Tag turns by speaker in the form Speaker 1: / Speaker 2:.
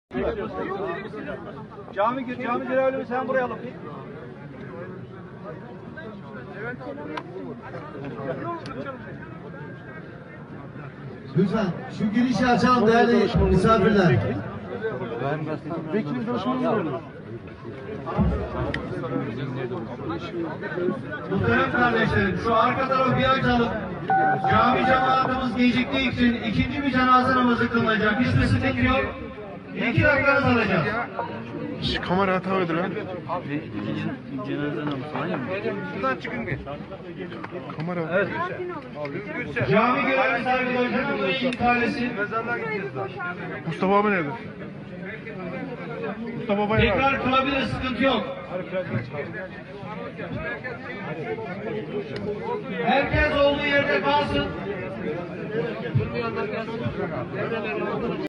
Speaker 1: Cami görevlimi sen buraya alıp.
Speaker 2: Lütfen şu girişi açalım değerli misafirler.
Speaker 1: Vekilin duruşunu
Speaker 2: Muhterem kardeşlerim, şu arka tarafı bir açalım. Cami cemaatimiz geciktiği için ikinci bir cenaze namazı kılınacak. Hiçbir sıkıntı yok. 2 dakikanız alacağız.
Speaker 3: Kamera hata verdi lan.
Speaker 1: cenaze namazı aynı mı?
Speaker 3: Şuradan çıkın bir. Kamera. Evet.
Speaker 2: Cami görevlisi arkadaşlarım buraya intihalesi.
Speaker 3: Mustafa abi nerede? Mustafa Baba nerede?
Speaker 2: Tekrar kılabilir, sıkıntı yok. Herkes olduğu yerde kalsın.